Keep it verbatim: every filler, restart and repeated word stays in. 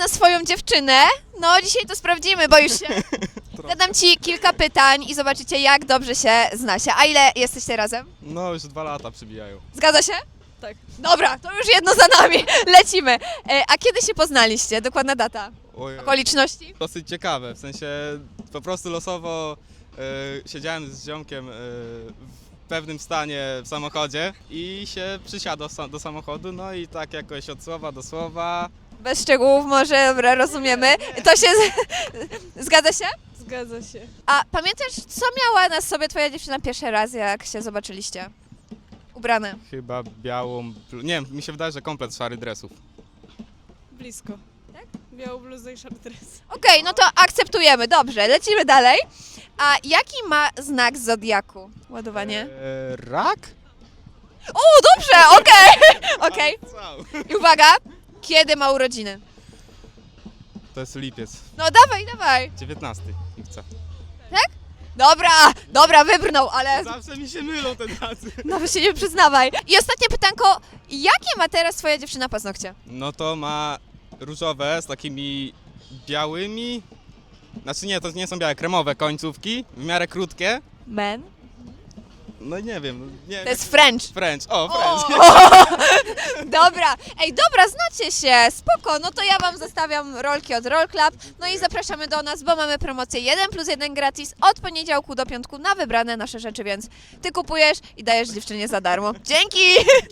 na swoją dziewczynę? No dzisiaj to sprawdzimy, bo już się... Zadam ci kilka pytań i zobaczycie, jak dobrze się znacie. A ile jesteście razem? No, już dwa lata przybijają. Zgadza się? Tak. Dobra, to już jedno za nami. Lecimy. E, a kiedy się poznaliście? Dokładna data? Oj, Okoliczności? dosyć ciekawe, w sensie po prostu losowo e, siedziałem z ziomkiem e, w pewnym stanie w samochodzie i się przysiadł sa- do samochodu, no i tak jakoś od słowa do słowa. Bez szczegółów może, dobra, rozumiemy. To się... z- Zgadza się? Zgadza się. A pamiętasz, co miała na sobie twoja dziewczyna pierwszy raz, jak się zobaczyliście? Ubrane. Chyba białą, blu- nie wiem, mi się wydaje, że komplet szary dresów. Blisko. Tak? Białą bluzę i szary dres. Okej, no to akceptujemy, dobrze, lecimy dalej. A jaki ma znak zodiaku? Ładowanie. E, rak? O, dobrze, okej, okej. Wow. I uwaga, kiedy ma urodziny? To jest lipiec, No dawaj, dawaj. dziewiętnasty lipca. Dobra, dobra, wybrnął, ale Zawsze mi się mylą te daty. no się nie przyznawaj. I ostatnie pytanko, jakie ma teraz twoja dziewczyna paznokcie? No to ma różowe z takimi białymi, znaczy nie, to nie są białe, kremowe końcówki, w miarę krótkie. Men. No nie wiem, nie To jest French. French, o, O! French. Dobra, ej, dobra, znacie się, spoko, no to ja wam zostawiam rolki od Roll Club, no i zapraszamy do nas, bo mamy promocję jeden plus jeden gratis od poniedziałku do piątku na wybrane nasze rzeczy, więc ty kupujesz i dajesz dziewczynie za darmo. Dzięki!